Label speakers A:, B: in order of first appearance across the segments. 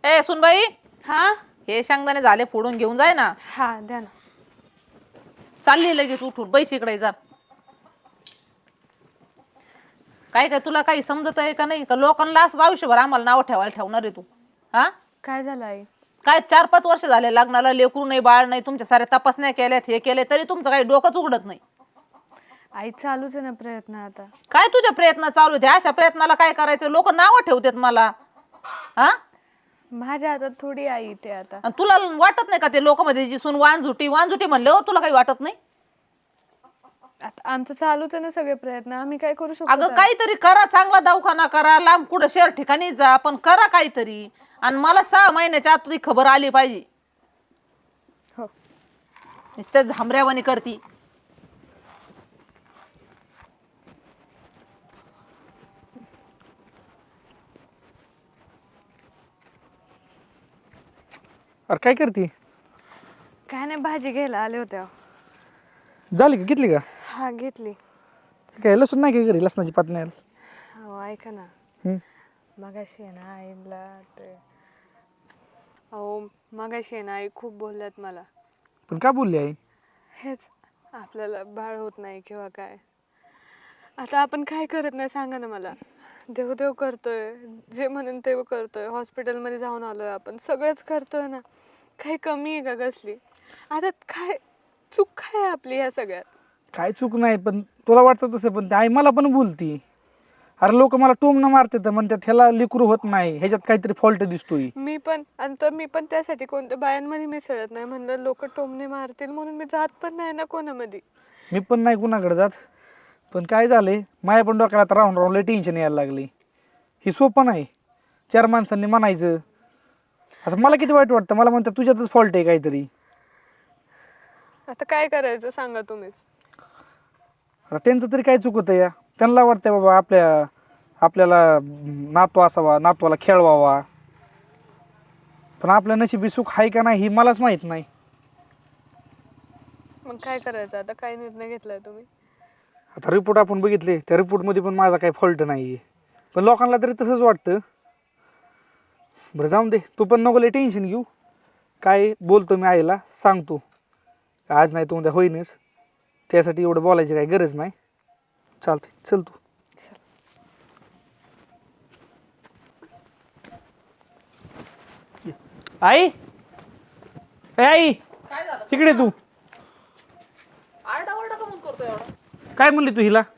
A: ए सुनबाई,
B: हा
A: हे शेंगदाणे झाले फोडून घेऊन जाय ना.
B: हा द्या ना.
A: चालली लगेच उठून बैस इकडे जा. काय काय तुला काही समजत आहे का नाही? का लोकांना असं आयुष्यभर आम्हाला नाव ठेवायला ठेवणार आहे तू? हा
B: काय झालं आई?
A: काय 4-5 वर्ष झाले लग्नाला, लेकरू नाही बाळ नाही, तुमच्या साऱ्या तपासण्या केल्यात, हे केले तरी तुमचं काही डोकंच उघडत नाही.
B: आई चालूच आहे ना प्रयत्न आता.
A: काय तुझे प्रयत्न चालू आहेत? अशा प्रयत्नाला काय करायचं? लोक नावं ठेवतात मला. हा
B: माझ्या हातात थोडी आई ते आता.
A: आणि तुला वाटत नाही का ते लोक मध्ये जी सून वांझुटी वांझुटी म्हणले हो, तुला काही वाटत नाही?
B: आता आमचं चालूच आहे ना सगळे प्रयत्न. आम्ही काय करू शकतो?
A: अगं काहीतरी करा, चांगला दवाखाना करा, लांब कुठं शहर ठिकाणी जा, पण करा काहीतरी. आणि मला 6 महिन्याच्या आत तुझी खबर आली पाहिजे.
B: हो.
A: नुसतं झांबऱ्यावानी करती.
C: अरे काय करते?
B: काय नाही, भाजी घ्यायला आले होते.
C: झाली का? घेतली का?
B: हा घेतली.
C: काय लसूण नाही का घरी? लसणाची पात नाही?
B: हो ऐका ना,
C: हम्म.
B: मगाशी आहे ना आईला ते मगाशी आहे ना आई खूप बोलल्यात मला.
C: पण का बोलली आई?
B: हेच आपल्याला बाळ होत नाही किंवा काय. आता आपण काय करत नाही सांगा ना मला. देव देव करतोय, जे म्हणून ते करतोय, हॉस्पिटलमध्ये जाऊन आलोय आपण, सगळंच करतोय ना. काही कमी आहे का कसली? आता काय चूक काय आहे आपली ह्या सगळ्यात?
C: काय चूक नाही, पण तुला वाटतं तसं, पण आई मला पण बोलती. अरे लोक मला टोमणं मारतात, म्हणतात ह्याला लेकरू होत नाही, ह्याच्यात काहीतरी फॉल्ट दिसतोय.
B: मी पण त्यासाठी कोणत्या बायांमध्ये मिसळत नाही. म्हणलं लोक टोमणे मारतील म्हणून मी जात पण नाही ना कोणामध्ये.
C: मी पण नाही कुणाकडे जात. पण काय झालंय, माझ्या पण डोक्याला आता राहून राहून लय टेन्शन यायला लागली. ही सोपं नाही. 4 माणसांनी म्हणायचं. असं मला किती वाईट वाटतं. मला म्हणतात तुझ्यातच फॉल्ट आहे काहीतरी.
B: आता काय करायचं सांगा तुम्हीच.
C: आता त्यांचं तरी काय चुकतं या? त्यांना वाटतंय बाबा आपल्याला नातू असावा, नातवाला खेळवावा. पण आपल्या नशिबी सुख आहे का नाही ही मलाच माहित नाही.
B: मग काय करायचं आता? काय निर्णय घेतलाय तुम्ही?
C: आता रिपोर्ट आपण बघितले, त्या रिपोर्टमध्ये पण माझा काही फॉल्ट नाही आहे. पण लोकांना तरी तसंच वाटतं. बरं जाऊन दे, तू पण नको लय टेन्शन घेऊ. काय बोलतो मी आईला, सांगतो. आज नाही तू उद्या होईनच. त्यासाठी एवढं बोलायची काही गरज नाही. चालते, चल तू. आई ए आई,
A: काय झालं?
C: तिकडे तू
A: आरडाओरडा का म्हणून करतोय एवढा?
C: काय म्हणली तू हिला?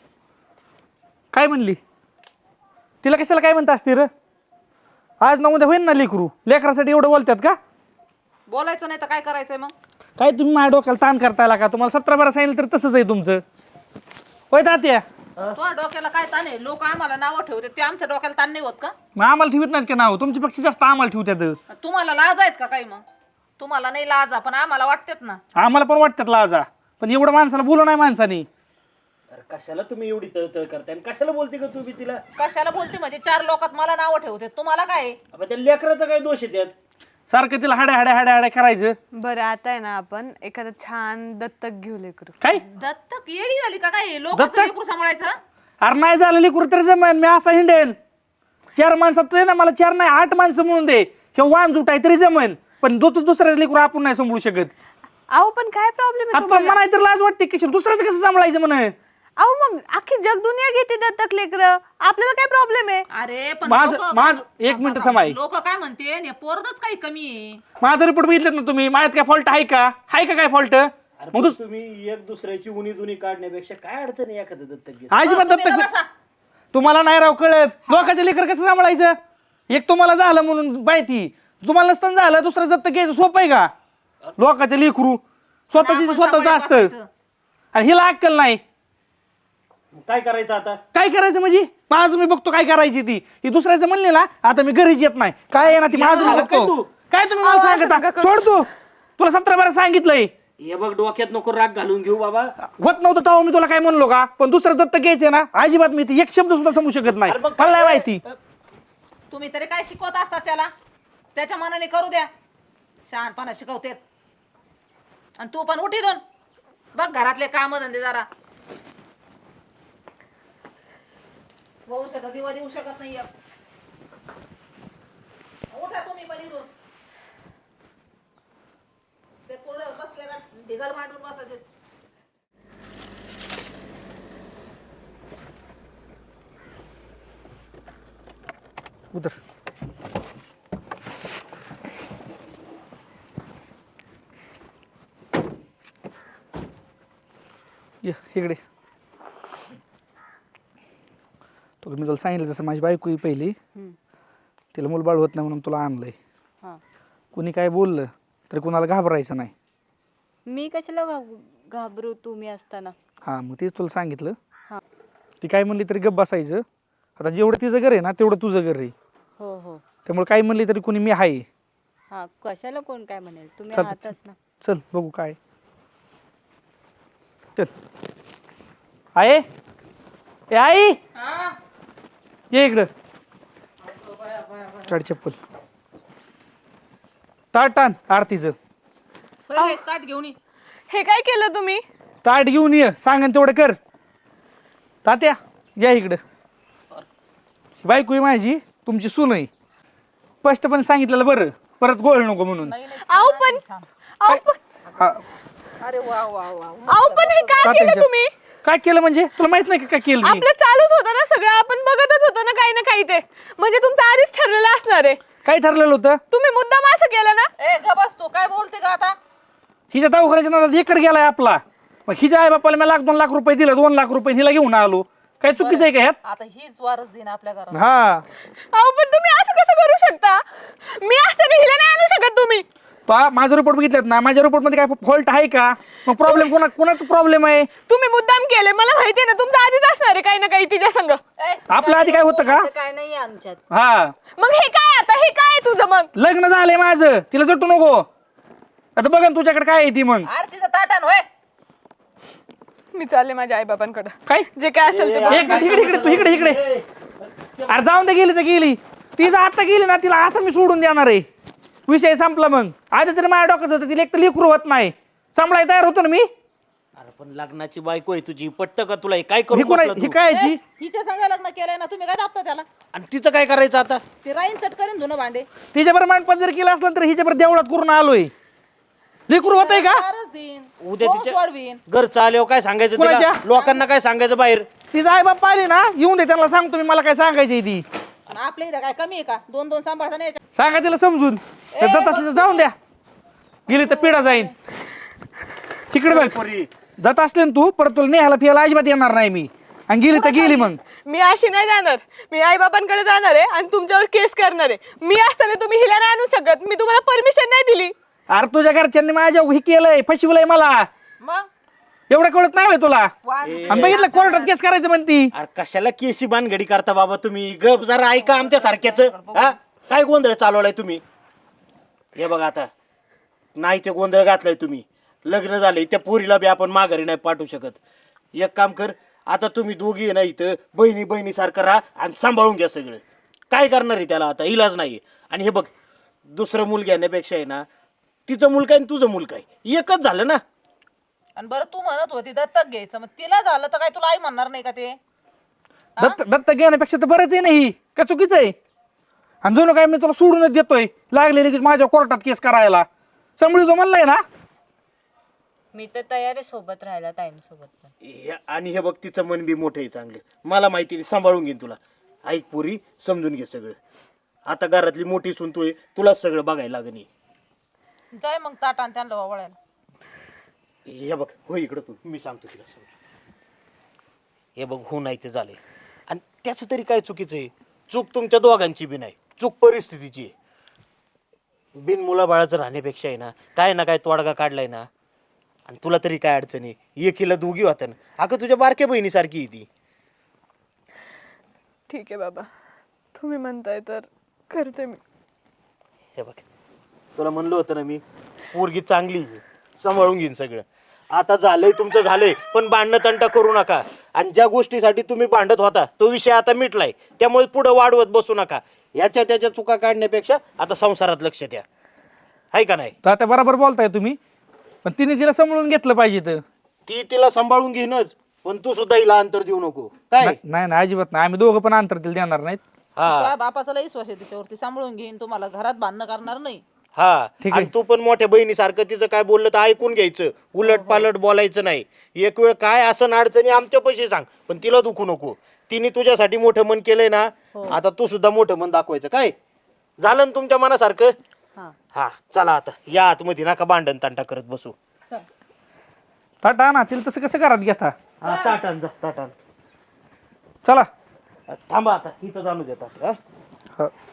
C: काय म्हणली? तिला कशाला काय म्हणता असते र? आज ना उद्या होईन ना लेकरू. लेकरासाठी एवढं बोलतात का?
A: बोलायचं नाही तर काय करायचंय मग?
C: काय तुम्ही माझ्या डोक्याला ताण करतायला का? तुम्हाला 17-12 सांगितलं तर तसंच आहे तुमचं. होय तात्या?
A: तुझ्या डोक्याला काय ताण आहे? लोक आम्हाला नावं ठेवते, ते आमच्या डोक्याला ताण नाही होत का?
C: मग आम्हाला ठेवत नाहीत का नाव? तुमच्यापेक्षा जास्त आम्हाला ठेवतात.
A: तुम्हाला लाज आहेत का काही? मग तुम्हाला नाही लाजा, पण आम्हाला वाटतात ना.
C: आम्हाला पण वाटतात लाजा, पण एवढं माणसाला बोलू नाही माणसानी.
D: अरे कशाला तुम्ही एवढी तळतळ करताय आणि कशाला बोलते का तुम्ही तिला?
A: कशाला बोलते म्हणजे? 4 लोकात मला नावं ठेवते, तुम्हाला काय?
D: अबे त्या लेकराचा काय दोष आहे त्यात?
C: सारखं तिला हाड्या करायचं.
B: बरं आता आहे ना आपण एखादं छान दत्तक घेऊ लेकरू.
C: काय?
A: दत्तक येडी झाली का काय? लोकांचं लेकरू सांभाळायचं?
C: अरे नाही झालं लेकरू तर जमेन, मी असा हिंडेन. 4 माणसात ना, मला 4 नाही 8 माणसं म्हणून दे. हे वाण जुटाय तरी जमेन, पण दुसऱ्या लेकरू आपण नाही सांभाळू शकत.
B: अहो पण काय प्रॉब्लेम आहे
C: आता
B: तुम्हाला?
C: म्हणाय तर लाज वाटते की दुसऱ्याचं कसं सांभाळायचं म्हणे.
B: अहो मग अख्खी जग दुनिया घेते दत्तक लेकर, आपल्याला काय प्रॉब्लेम आहे?
A: अरे पण
C: माझं 1 मिनिट थांबाय.
A: लोक काय म्हणते? पोरगच काही कमी आहे.
C: माझा रिपोर्ट बघितलेत ना तुम्ही? माझ्यात काय फॉल्ट आहे का? काय फॉल्ट?
D: अरे पण तुम्ही एक दुसऱ्याची उनी जुनी काढण्यापेक्षा काय अडचण आहे एखादं दत्तक घेत?
C: अजिबात
A: तुम्ही
C: दत्तक
A: बसा.
C: तुम्हाला नाही राव कळत. लोकांचे लेकर कसं सांभाळायचं? एक तुम्हाला झालं म्हणून माहिती, तुम्हाला नसताना झालं दुसरं दत्तक घ्यायचं सोपं आहे का? लोकांचे लेकरू स्वतःची
A: आपण
C: स्वतःच
A: सांभाळून
C: असतं
A: बसायचं.
C: आणि हिला अक्कल नाही.
D: मग काय करायचं आता?
C: काय करायचं म्हणजे? माझं मी बघतो काय करायची ती. ही दुसऱ्याचं म्हणले ना, आता मी घरीच येत नाही. काय आहे ना ती माझं मी
D: काय
C: बघतो.
D: तू?
C: काय तुम्ही मला सांगता? सोड तू. तुला 17-12 सांगितलंय.
D: हे बघ डोक्यात नको राग घालून घेऊ बाबा.
C: होत नव्हतं तेव्हा मी तुला काय म्हणलो का? पण दुसरं दत्तक घ्यायचंय ना, अजिबात मी ती एक शब्द सुद्धा समजू शकत नाही.
D: अरे मग
C: मला नाही माहिती.
A: तुम्ही तरी काय शिकवत असतात त्याला? त्याच्या मनाने करू द्या. शहाणपणा शिकवतेत. आणि तू पण उठी दोन बघ घरातले काम धंदे जरा. वंशाचा दिवा देऊ शकत नाही. उठा तुम्ही. निघाल मांडून बसायचे.
C: उतर. ये इकडे. तो मी तुला सांगितलं जसं माझी बायको ही पहिली तिला मूलबाळ होत नाही म्हणून तुला आणलंय.
E: हा.
C: कुणी काय बोललं तर कुणाला घाबरायचं नाही.
E: मी कशाला घाबरू तुम्ही असताना.
C: हां मग तेच तुला सांगितलं.
E: हा.
C: ती काय म्हणली तरी गप्प बसायचं. आता जेवढं तिचं घर आहे ना तेवढं तुझं घर आहे.
E: हो हो.
C: त्यामुळे काय म्हणली तरी कुणी मी आहे.
E: हा कशाला कोण काय म्हणेल तुम्ही
C: चल,
E: आहातच ना.
C: चल बघू काय. चल आहे ए आई
A: हा
C: ये इकडं. काढ चप्पल. ताट आण आरतीचं.
A: पहिले ताट घेऊन ये.
B: हे काय केलं तुम्ही?
C: ताट घेऊन ये सांगन तेवढं कर. तात्या या इकडं. बायको आहे माझी तुमची सून आहे. स्पष्टपणे सांगितलेलं बरं परत गोळ नको म्हणून.
B: अहो पण
C: हा,
A: अरे वा वा वा.
B: अहो पण हे काय
C: तात्यांच्या-
B: केलं तुम्ही?
C: काय केलं म्हणजे तुला माहित नाही का काय केलं मी?
B: आपलं चालूच होतं ना सगळं, आपण बघतच होतो ना काही ना काही. ते म्हणजे तुमचं आधीच ठरलेलं असणार आहे.
C: काय ठरलेलं होतं?
B: तुम्ही मुद्दाम असं केलं ना.
A: ए ग बस तू काय बोलते का आता?
C: हिच्या दवाखान्याच्या नादात एकर गेलाय आपला. मग हिच्या आई बापाला मी 1-2 लाख रुपये दिले. 2 लाख रुपये हिला घेऊन आलो. काय चुकीचं आहे का ह्यात?
A: आता हीच वारस दिन आपल्या घरात.
C: हा
B: अहो पण तुम्ही असं कसं करू शकता? मी असताना हिला नाही आणू शकत तुम्ही.
C: तो माझा रिपोर्ट बघितलात ना. माझ्या रिपोर्ट मध्ये काय फॉल्ट आहे का? मग प्रॉब्लेम कोणाचा प्रॉब्लेम आहे?
B: तुम्ही मुद्दाम केले मला माहिती आहे ना. तुमचं आधीच असणार आहे काही ना काही तिच्या संग.
A: ए,
C: आपल्या आधी काय होतं का?
E: असं काय नाही आमच्यात.
C: हा
B: मग हे काय आता? हे काय आहे तुझं मग?
C: लग्न झालंय माझं. तिला जटू नको. आता बघा ना तुझ्याकडे काय आहे ती मग.
A: आरतीचं ताटान होय.
B: मी चालले माझ्या आई बाबांकडे.
C: काय
B: जे काय असेल ते बघ.
C: इकडे इकडे तू इकडे. अरे जाऊन दे गेली तर गेली. तिचं आता गेली ना तिला असं मी सोडून देणार आहे. विषय संपला. मग आधी तरी माझ्या डोक्यात होतं तिला एक तर लेकरू होत नाही. सांभाळायला तयार होतो ना मी.
D: अरे पण लग्नाची बायको आहे तुझी पट्ट का तुला हे काय
C: ही
D: करू
C: कोण
D: बसला
C: ही
D: तू?
C: काय याची?
A: हिच्या संग लग्न केलंय ना तुम्ही काय दाबता त्याला?
D: आणि तिचं काय करायचं आता?
A: ती राईन चट करीन धुणं भांडे.
C: तिच्याबरोबर मांडपात जर केलं असलं तर हिच्याबरोबर देवळात करून आलोय. लेकरू होत आहे का?
A: वारस दिन.
D: उद्या
A: वंश
D: तिच्या
A: वाढवीन.
D: घर चालव काय सांगायचं
C: कोणाच्या?
D: तिला? लोकांना काय सांगायचं बाहेर?
C: तिचा आई बाप आली ना येऊन दे त्यांना सांगतो मी मला काय सांगायची ती.
A: आणि आपल्या इथं काय कमी आहे का? 2-2 सांभाळता नाही यायच्या.
C: सांगा तिला समजून. जात असली तर जाऊन द्या. गेली तर पिढा जाईन. तिकडे बघ.
D: पोरी.
C: जात असले ना तू परत तुला नेहाला फिरायला अजिबात येणार नाही मी. आणि गेली तर गेली मग.
B: मी अशी नाही जाणार. मी आई बाबांकडे जाणार आहे आणि तुमच्यावर केस करणार आहे. मी असताना तुम्ही हिला नाही आणू शकत. मी तुम्हाला परमिशन नाही दिली.
C: अरे तुझ्या घरच्यांनी माझ्या हे केलंय फसवलंय मला.
A: मग
C: एवढं कळत नाही होय तुला.
A: वाद
C: आणि बघितलं कोर्टात केस करायचं म्हणती.
D: अरे कशाला केशी बानगडी करता बाबा तुम्ही? गप जरा ऐका आमच्या सारख्याच. हा काय गोंधळ चालवलाय तुम्ही? हे बघा आता नाही ते गोंधळ घातलाय तुम्ही. लग्न झालंय त्या पोरीला बी आपण माघारी नाही पाठवू शकत. एक काम कर आता तुम्ही दोघी ना इथं बहिणी सारखं राहा आणि सांभाळून घ्या सगळं. काय करणार आहे त्याला आता? इलाज नाही. आणि हे बघ दुसरं मूल घेण्यापेक्षा आहे ना तिचं मुलगा आणि तुझं मुलगा आहे एकच झालं ना.
A: आणि बरं तू म्हणत होती दत्तक घ्यायचं. मग तिला झालं तर काय तुला आई म्हणणार नाही का ते?
C: दत्त घेण्यापेक्षा तर बरंच आहे नाही का चुकीचं आहे. आणि जणू काय मी तुला सोडूनच देतोय. लागले लगेच माझ्या कोर्टात केस करायला. सांभाळी जो म्हणलाय ना.
E: मी तर तयार आहे सोबत राहायला ताईंसोबत पण.
D: आणि हे बघ तिचं मन बी मोठं आहे चांगलं. मला माहिती आहे, ती सांभाळून घेईन तुला. ऐक पोरी समजून घे सगळं. आता घरातली मोठी सून तू आहे. तुलाच सगळं बघायला लागणी.
A: जाय मग ताटान त्यांना वळायला.
D: हे बघ हो इकडं तू. मी सांगतो तिला समजून. हे बघ हो नाही ते झाले. आणि त्याचं तरी काय चुकीचं आहे? चूक तुमच्या दोघांची बी नाही. चूक परिस्थितीची आहे. बिन मुलाबाळाचं राहण्यापेक्षा आहे ना काय तोडगा काढलाय ना. आणि तुला तरी काय अडचण आहे? एकीला दोघी होत्या ना. अगं तुझ्या बारक्या बहिणीसारखी आहे ती.
B: ठीक आहे बाबा तुम्ही म्हणताय तर करते मी.
D: हे बघ तुला म्हणलं होतं ना मी पोरगी चांगली आहे. सांभाळून घेईन सगळं. आता झालंय तुमचं झालंय. पण भांडणं तंटा करू नका. आणि ज्या गोष्टीसाठी तुम्ही भांडत होता तो विषय आता मिटलाय. त्यामुळे पुढे वाढवत बसू नका. याच्या त्याच्या चुका काढण्यापेक्षा आता संसारात लक्ष द्या. आहे का नाही?
C: तर आता बरोबर बोलताय तुम्ही. पण तिने तिला सांभाळून घेतलं पाहिजे तर.
D: ती तिला सांभाळून घेईनच. पण तू सुद्धा हिला अंतर देऊ नको. काय?
C: नाही नाही अजिबात नाही. आम्ही दोघं पण अंतर तिला देणार नाहीत.
D: हा
A: त्या बापाचा लई विश्वास आहे तिच्यावरती. सांभाळून घेईन तुम्हाला. घरात भांडणं करणार नाही.
D: हा
C: ठीक
D: आणि
C: आहे.
D: तू पण मोठ्या बहिणीसारखं तिचं काय बोललं तर ऐकून घ्यायचं, उलट पालट बोलायचं नाही. एक वेळ काय असं अडचणी आमच्या पैसे सांग, पण तिला दुखू नको. तिने तुझ्यासाठी मोठं मन केलंय ना, आता तू सुद्धा मोठं मन दाखवायचं. काय झालं ना तुमच्या मनासारखं?
E: हा
D: हा चला आता या आतमध्ये, नका भांडण तांटा करत बसू.
C: ताटा आणा तिला तसं कसं घरात घेता.
D: हा ताटान जा ताटान.
C: चला.
D: थांबा आता इथं जाणू देतात.
C: हा.